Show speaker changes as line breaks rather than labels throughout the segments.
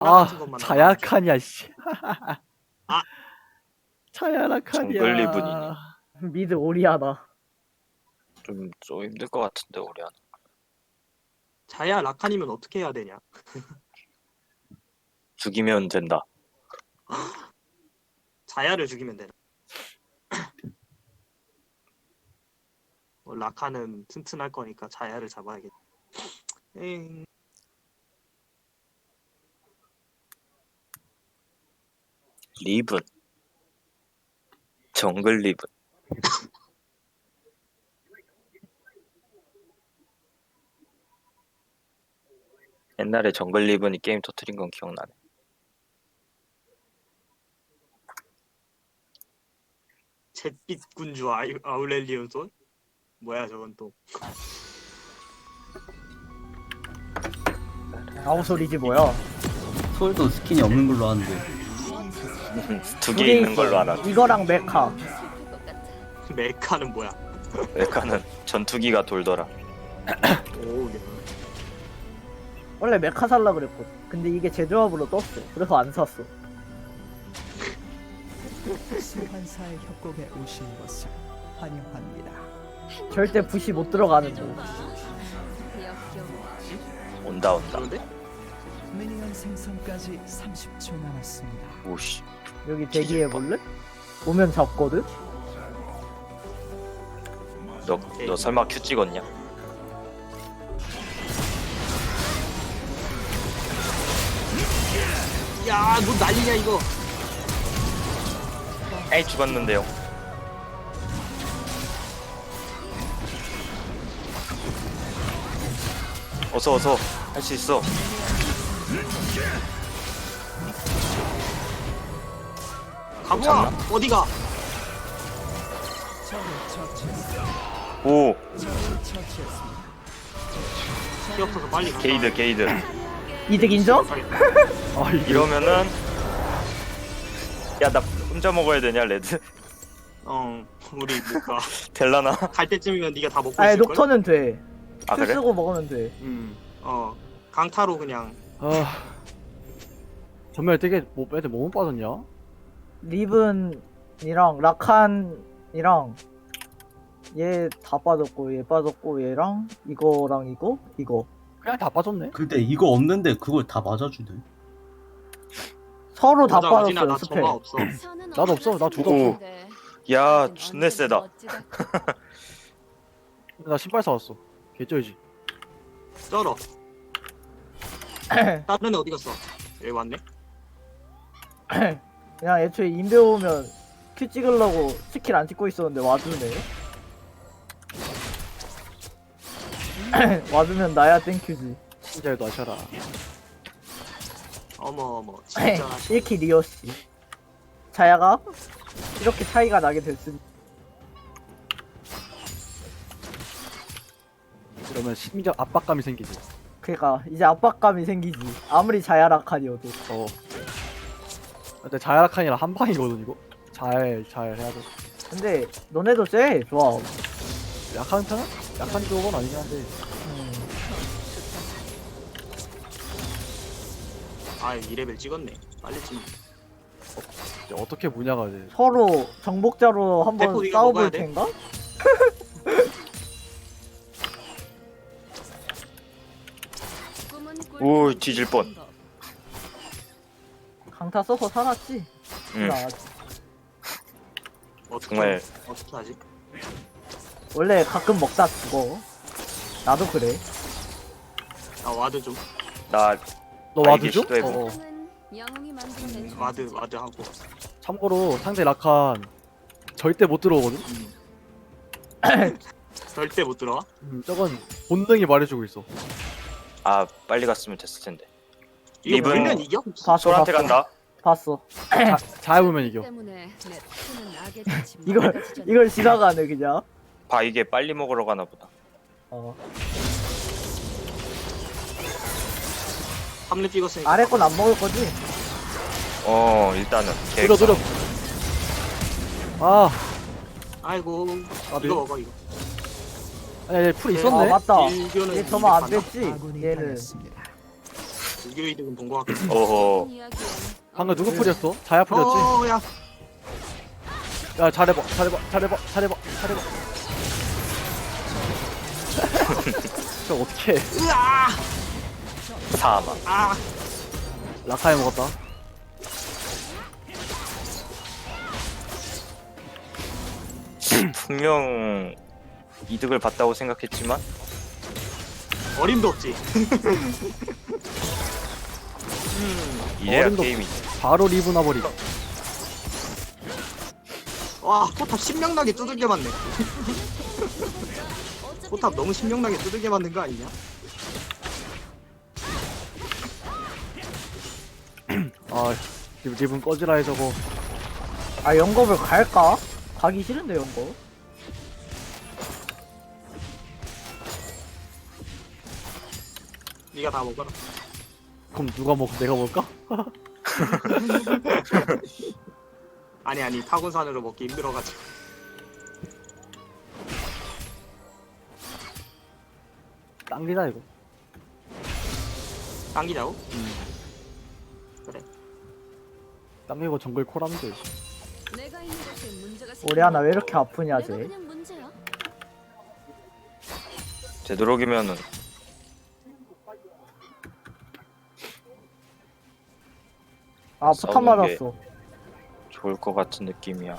같은 것만
자야칸이야 씨.
아.
자야라칸이야.
정글 리븐이니.
미드 오리아나.
좀 힘들 것 같은데 우리 하나.
자야 라칸이면 어떻게 해야 되냐?
죽이면 된다.
자야를 죽이면 되나? 라칸은 튼튼할 거니까 자야를 잡아야겠다. 에잉.
리븐. 정글 리븐. 옛날에 정글 리븐이 게임 터트린 건 기억나네.
잿빛 군주 아울렐리온 손? 뭐야 저건 또?
아무 소리지 뭐야?
솔도 스킨이 없는 걸로 아는데.
두
두
개
개
있는
있어.
걸로 알아.
이거랑 메카.
메카는 뭐야?
메카는 전투기가 돌더라.
오, 네.
원래 메카 살라 그랬거든. 근데 이게 제조합으로 떴어. 그래서 안 샀어.
소환사의 협곡에 오신 것을 환영합니다.
절대 붓이 못 들어가는 거.
온다.
그런데?
미니언 생성까지 30초 남았습니다.
오씨.
여기 대기해 볼래? 오면 잡거든.
너 설마 큐 찍었냐?
야, 뭐 난리냐 이거?
에이 죽었는데요. 어서 할 수 있어.
가보아 어디가?
오
피 없어서 빨리 가.
게이드.
이득 인정?
이러면은 야 나 혼자 먹어야 되냐 레드?
우리 못 가.
될라나?
갈 때쯤이면 네가 다 먹고
아니
있을 걸.
녹턴은 돼.
아
술
그래?
쓰고 먹으면 돼.
강타로 그냥.
전멸 되게 애들 뭐못 빠졌냐?
리븐이랑 라칸이랑 얘 다 빠졌고 얘 빠졌고 얘랑 이거랑 이거
그냥 다 빠졌네.
근데 이거 없는데 그걸 다 맞아주네.
서로 다
보자, 어디나
빠졌어요
나
스펠.
점화 없어.
나도 없어. 나 둘 다
오.
없어.
야 존내 세다.
나 신발 사왔어. 개쩔지.
쩔어. 다른 애 어디 갔어? 여기 왔네.
그냥 애초에 인베 오면 큐 찍으려고 스킬 안 찍고 있었는데 와주네. 와주면 나야 땡큐지.
진짜 놔셔라.
어머 진짜.
1킬 리오씨. 자야가 이렇게 차이가 나게 됐으니
이러면 심리적 압박감이 생기지.
그니까 이제 압박감이 생기지. 아무리 자야라칸이어도.
근데 자야라칸이랑 한 방이거든 이거. 잘 해야 돼.
근데 너네도 쎄 좋아.
약한 편은? 약한 쪽은 아니긴 한데.
아 2레벨 찍었네. 빨리 찍.
이제 어떻게 무냐가 이제.
서로 정복자로 한번
대포 이거 먹어야
싸워볼
돼?
텐가?
오 뒤질 뻔.
강타 써서 살았지.
응.
나
정말
어떻게 하지?
원래 가끔 먹다 죽어. 나도 그래.
나 와드 좀.
나
너
아,
와드
이게
줘?
시도해보-
와드 하고.
참고로 상대 라칸 절대 못 들어오거든.
절대 못 들어와.
저건 본능이 말해주고 있어.
아 빨리 갔으면 됐을 텐데.
이거
리븐.
물면 이겨?
봤어
솔한테
봤어.
간다.
봤어.
잘 보면 이겨.
이걸 지나가네 그냥.
봐 이게 빨리 먹으러 가나 보다.
3렙 찍었으니까.
아래 건 안 먹을 거지?
일단은
느려. 아,
아이고.
나도
이거 먹어 이거.
아니 풀
아
있었네.
맞다.
일교는
얘 저만 안
이득
뺐지.
아군이
얘는
당했습니다.
유교 이득은 본 것 같고.
어허.
방금 누구 풀이었어? 자야 풀이었지?
야.
야 잘해봐 잘해봐 잘해봐 잘해봐 잘해봐 저 어떡해
으아.
사망.
아.
라카에 먹었다
분명 이득을 봤다고 생각했지만
어림도 없지.
이래야
어림도
게임이.
바로 리브 나버리
와, 포탑 신명나게 두들겨 맞네. 포탑 너무 신명나게 두들겨 맞는 거 아니냐?
아 리븐 꺼지라 해 저거
아 영겁을 갈까? 가기 싫은데 영겁.
네가 다 먹어라.
그럼 누가 먹고 내가 먹을까?
아니 타곤산으로 먹기 힘들어가지고.
당기다 이거
당기자고?
당기고 정글 콜하면 돼
우리 하나 왜 이렇게 아프냐 쟤.
되도록이면은
아 포탑
싸우는 게-
맞았어.
좋을 것 같은 느낌이야.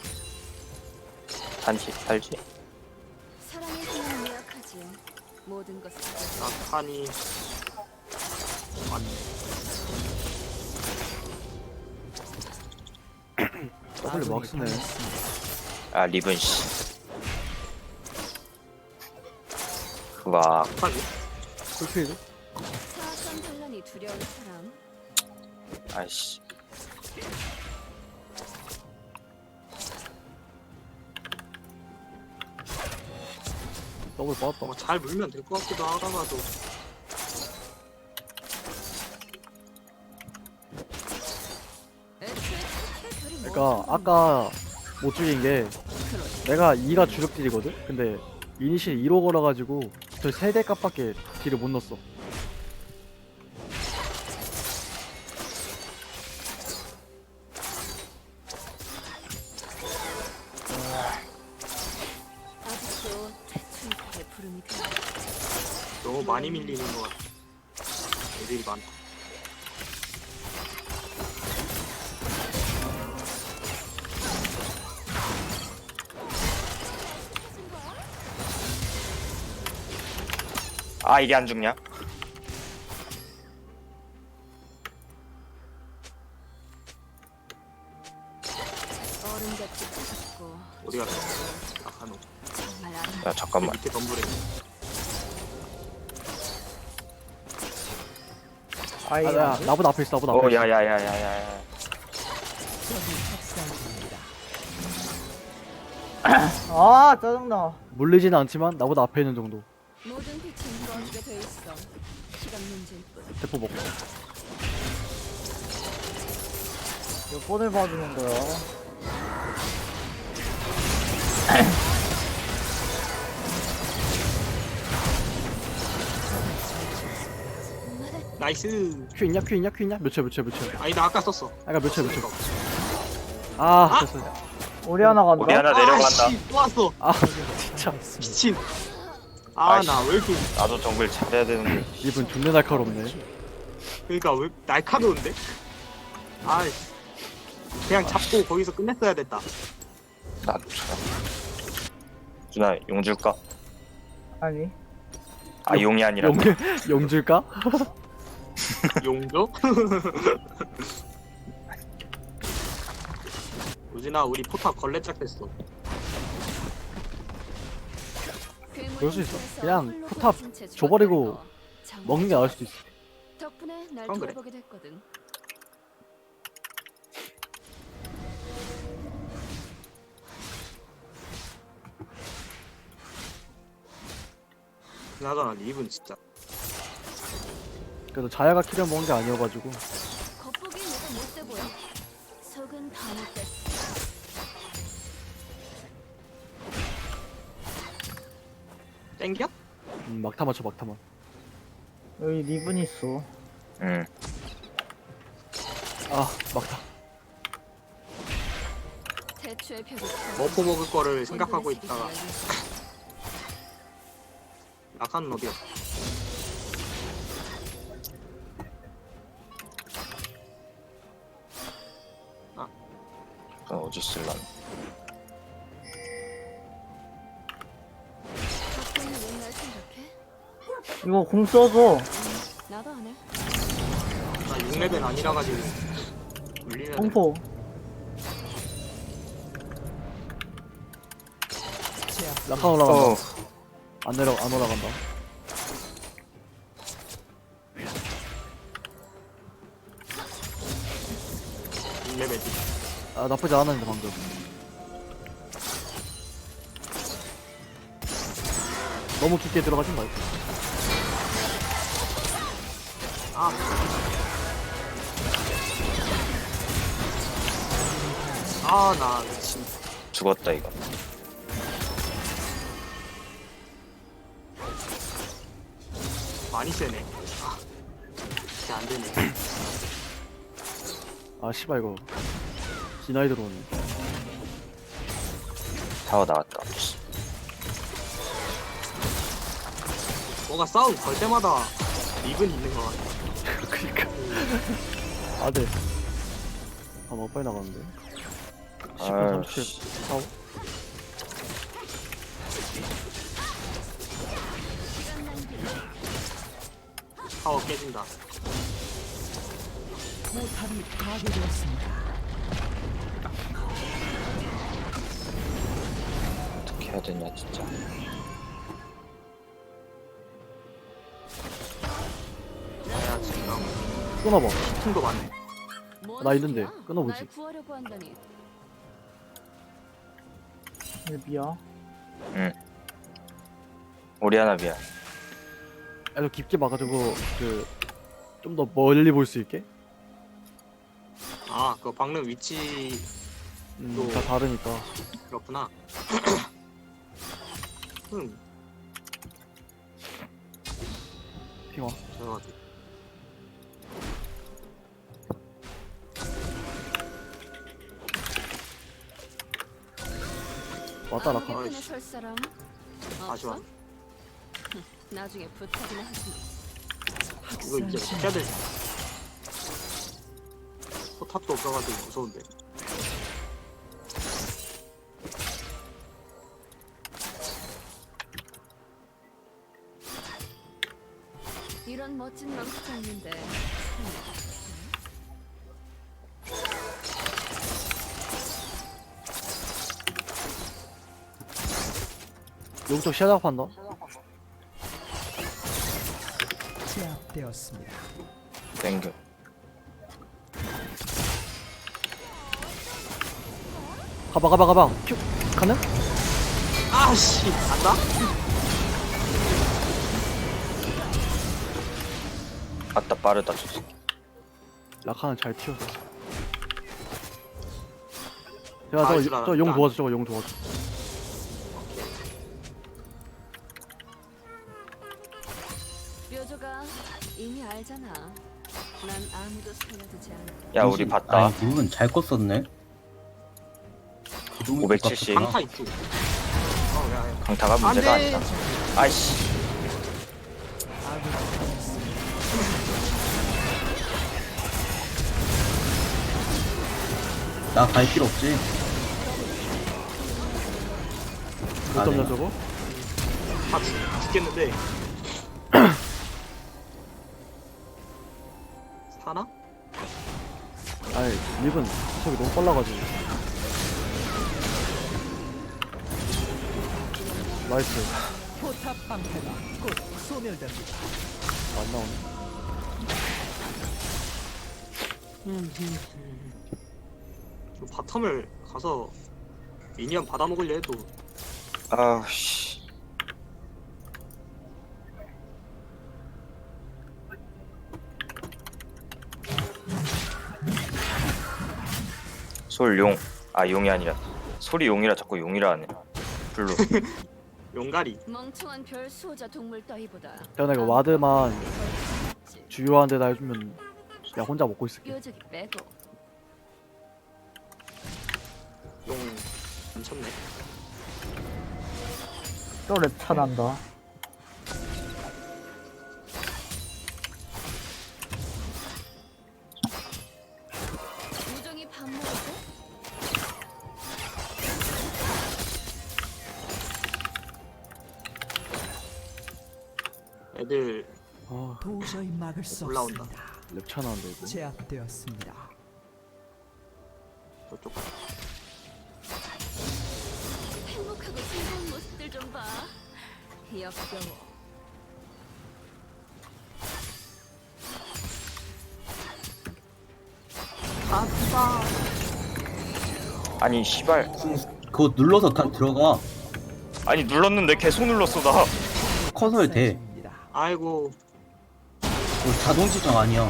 산지 살지?
사랑의 힘은 예약하지. 모든 것을
낙한이 맞네.
W 막 쓰네
아 리븐 씨. 와
낙한이?
풀필드?
사악한 반란이 두려운 사람.
아이씨.
더블 빠졌다
잘 물면 될 것 같기도 하다가도.
애초에 첫째 별이
그러니까 아까 못 죽인 게 내가 2가 주력 딜이거든? 근데 이니시에 2로 걸어가지고 저 세대 값밖에 딜을 못 넣었어
아직도 태춘의 부름이 가.
너무 많이 밀리는 것 같아. 애들이 많다.
아 이게 안 죽냐?
어른같이 차갑고
어디 갔어? 낙한호.
정말 아름.
야 잠깐만.
밑에 덤불에.
아이
야 나보다 앞에 있어 나보다 앞에
어
있어
야야야야야야.
적이 학살 중입니다.
아 짜증나.
물리지는 않지만 나보다 앞에 있는 정도
모든 빛은 꺼지게 돼 있어. 시간 문제일 뿐.
대포 먹고
몇 번을 봐주는 거야.
나이스.
큐 있냐 큐 있냐 큐 있냐 몇초
아니 나 아까 썼어.
아까 몇초 아 됐어
우리 하나 간다.
우리 하나 내려간다.
씨, 또 왔어.
아 진짜
미친. 아
아이씨.
나 왜 이렇게
나도 정글 잘해야 되는데.
이분 존나 날카롭네
그러니까 왜 날카로운데? 아 그냥 잡고 거기서 끝냈어야 됐다.
나도 참. 누나 용 줄까?
아니
아 용이 아니라.
용 줄까?
용조? 우진아 우리 포탑 걸레짝 됐어.
그럴 수 있어. 그냥 포탑 줘버리고 먹는 게 나을 수도 있어
덕분에 날
그건 그래.
돌아보게 됐거든.
그나저나 립은 진짜
그래도 자야가 키려 먹은 게 아니어가지고
겉보기 내가 못돼 보여. 속은 다 못됐어.
땡겨?
막타 맞춰 막타만
여기 리븐 있어.
응.
아 막다.
대추의 벽이
머프 먹을 거를 생각하고 있다가 라칸은 어디야?
어디 쓸란?
가끔은 옛날 생각해?
이거 공 써줘.
나도 안 해.
나 6레벨 아니라 가지고 물리면
공포.
라칸 올라간다.
어.
안 올라간다.
레벨
아 나쁘지 않았는데 방금. 너무 깊게 들어가진 말고.
아, 나 미친.
죽었다 이거.
많이 세네. 아, 진짜 안 되네.
아 씨발 이거 디나이 들어오네.
타워 나왔다.
뭐가 싸움 걸 때마다 립은 있는 것 같아.
그니까. 아 네. 아 너무 빨리 나가는데. 10분 37 4
타워 깨진다.
포탑이 파괴되었습니다.
어떻게 해야 되냐 진짜.
야, 지금
끊어봐.
층도 많네.
뭔
나 있는데,
소리야?
끊어보지.
날 구하려고 한다니.
미야.
오리아나 미안.
애도 깊게 막아주고 그 좀 더 멀리 볼 수 있게.
아, 그 박는 위치
다 다르니까.
그렇구나.
핑화.
저
왔다
아무
라칸.
개편에
아이씨.
설 사람
다시 와.
없어? 나중에 부탁이나 하지.
이거 이제 시켜야 돼. 포탑도 없어가지고 무서운데.
이런 멋진 망치가 있는데
용쪽 시작한다.
제압되었습니다.
땡겨.
가봐. 큐. 가능?
아씨, 간다?
아따 빠르다 저 새끼.
라칸은 잘 튀었어. 제가
아, 줄 알았다.
저 용 도와줘. 저거 용 도와줘.
묘조가 이미 알잖아. 난 아무도 살려두지 않아.
야 우리 봤다.
아니 물은 잘 껐었네.
570.
강타 있지. 야.
강타가 문제가
안 돼.
아니다. 아이씨.
나 갈 필요 없지.
못
아,
잡냐
네.
저거?
다 죽겠는데. 사나?
아이 립은 속이 너무 빨라가지고. 나이스.
포탑 방패가 곧 소멸됩니다.
안 나오네.
저 바텀을 가서 미니언 받아먹으려 해도
아우씨. 솔용. 아 용이 아니라 소리 용이라 자꾸 용이라 하네. 블루.
용가리.
멍청한 별 수호자 동물 따위보다
내가 이거 와드만 주요한 데다 해주면 그냥 혼자 먹고 있을게.
뾰족이 빼고.
용 미쳤네.
또 랩차 난다.
우정이 밥 먹었어?
애들
아,
도저히 막을 수
올라온다.
없습니다.
랩차 나는데 이거.
제압되었습니다.
저쪽
행복하고 즐거운 모습들 좀 봐. 역겨워.
아니 씨발.
그거 눌러서 다 들어가.
아니 눌렀는데 계속 눌렀어 나.
커서야 돼.
사진입니다.
아이고
그거 자동 지정 아니야.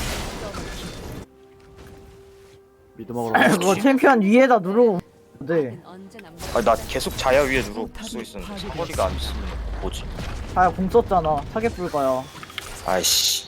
미드 먹으러
그거 챔피언 위에다 누르고 네.
는 언제나
아니 나 계속 자야 위에 누르고 쏘 있었는데 사거리가 안 쓰면 뭐지?
아야 공 썼잖아. 타겟 불가야.
아이씨.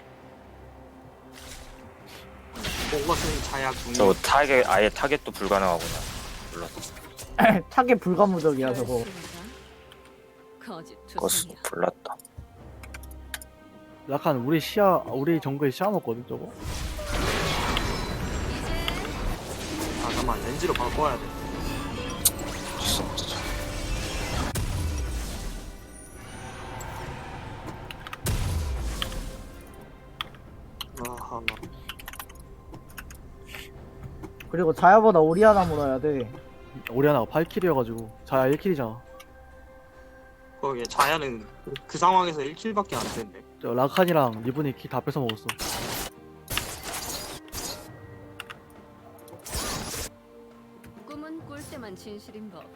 그것은 자약 중이.
저 타겟 아예 타겟도 불가능하구나. 몰랐어.
타겟 불가무적이야 저거.
거짓
그거
투성이야.
몰랐다.
약간 우리 정글에 시야 먹거든 저거.
아 잠깐만 렌즈로 바꿔야 돼.
진짜.
아하.
그리고 자야보다 오리아나 물어야 돼.
오리아나가 8킬이어가지고 자야 1킬이잖아.
거기에 자야는 그 상황에서 1킬밖에 안 되는데.
저 라칸이랑 리븐이 키 다 뺏어 먹었어.
꿈은 꿀 때만 진실인 법.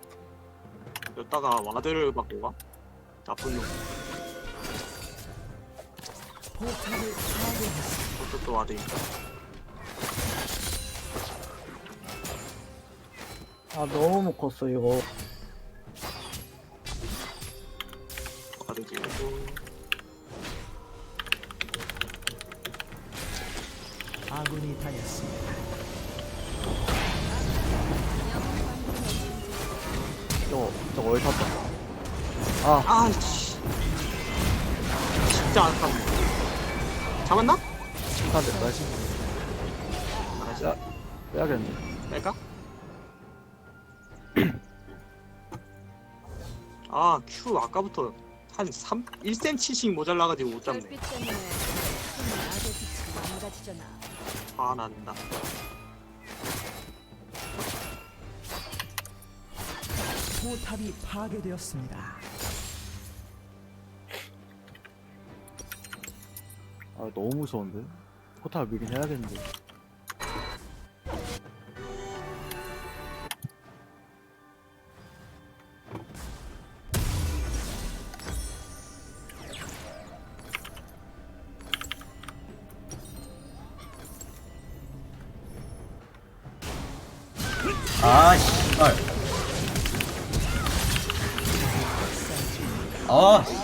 여기다가 와드를 받고 가? 나쁜 놈.
포탑을 파괴했습니다.
저쪽도 와드니까.
아 너무 못 컸어 이거.
와드 지르고.
아군이 당했습니다.
저거 어디 탔다. 아,
아이씨. 진짜 아깝네. 잡았나?
탔는데 나이스.
나이스.
야. 빼야겠네.
뺄까? 아, 큐 아까부터 한 1cm씩 모자라가지고 못 잡네.
별빛 때문에 손이 악의 빛이 망가지잖아.
화난다.
포탑이 파괴되었습니다.
아 너무 무서운데. 포탑 미긴 해야겠는데.
아 씨발. 아 씨.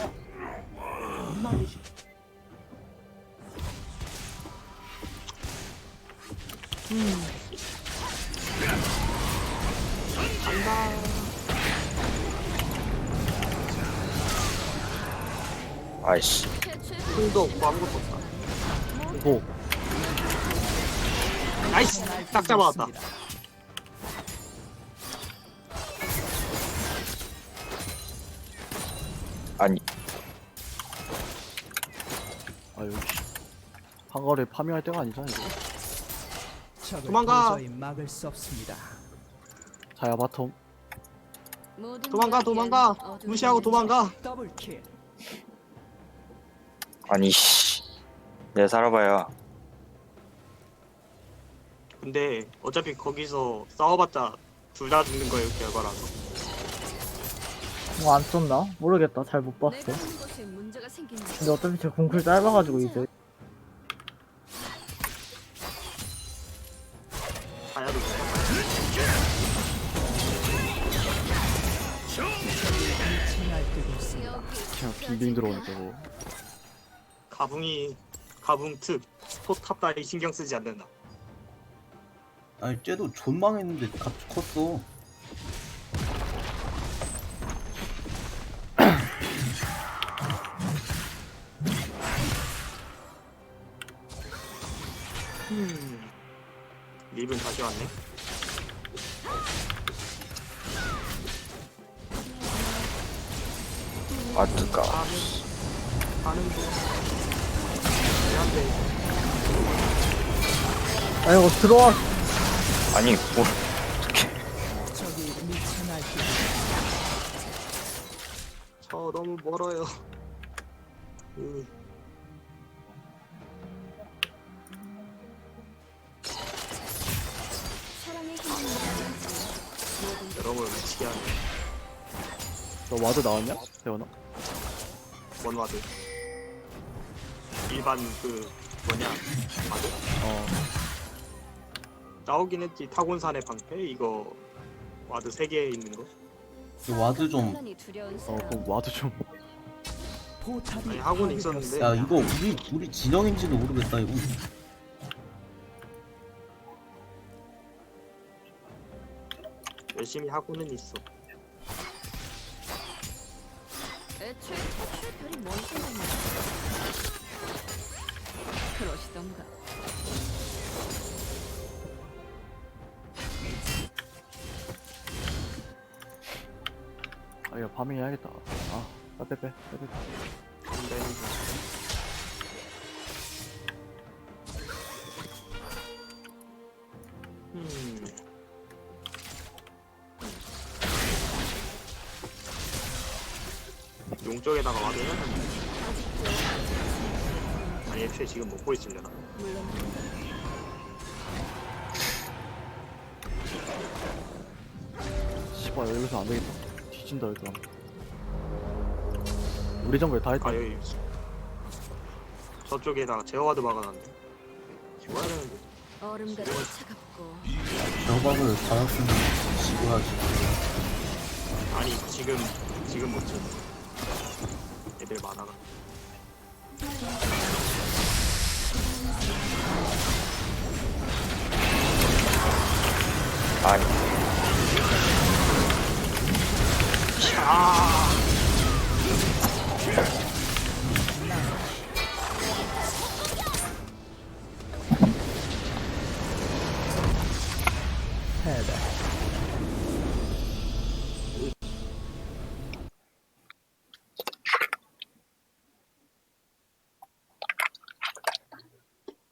아이씨.
힘도 없고 아무것도 없다.
오,
나이스! 딱 잡아왔다.
아니
아 여기 한거를 파밍할 때가 아니잖아 이거.
적을
도망가.
도저히 막을 수 없습니다.
자야 바텀.
모든
도망가,
이야기엔
도망가!
어두운
무시하고
면이
도망가!
더블킬.
아니 씨. 내 살아봐야.
근데 어차피 거기서 싸워봤자 둘 다 죽는 거예요, 결과라서.
뭐 안 썼나? 모르겠다. 잘 못 봤어.
내가 하는 것에 문제가 생긴
근데 어차피 제 공쿨 짧아가지고 이제.
자야도 죽어.
미친 날뛰고 있습니다.
여기
그냥 빙빙 들어오네 저거.
가붕 특 포탑 다리 신경 쓰지 않는다.
아니 쟤도 존망했는데 갑자기 컸어.
립은 다시 왔네.
와드가
하는 중. 미안해.
아이고 들어와.
아니 뭐
적이 미쳐 날뛰고
저 너무 멀어요.
사랑의 힘을 모든
여러분 미치게 하네.
너 와드 나왔냐? 대원아?
원와드. 일반 그 뭐냐 와드?
어.
나오긴 했지. 타곤산의 방패 이거 와드 3개 있는 거.
이 와드 좀.
혼란이 두려운
어,
사람.
그럼 와드 좀.
포탑이
아니, 하고는 있었는데.
야 이거 우리 진영인지도 모르겠다 이거.
열심히 하고는 있어.
애초에 탈출 별이 뭔 생각이야. 그러시던가.
아, 이거 파밍 해야겠다. 빼빼빼.
안 되는 거. 용 쪽에다가 와도 해야 되는데. 아니 애초에 지금 먹고 있으려나?
물론
씨발, 여기서 안 되겠다. 뒤진다, 일단. 우리 정글 다 했다.
아 여기 저쪽에다가 제어와드 막아놨네. 죽어야 되는데.
얼음같이 차갑고
저박을 받았으면 지고야지.
아니 지금 못 쳐. 애들 많아가.
아니
패배.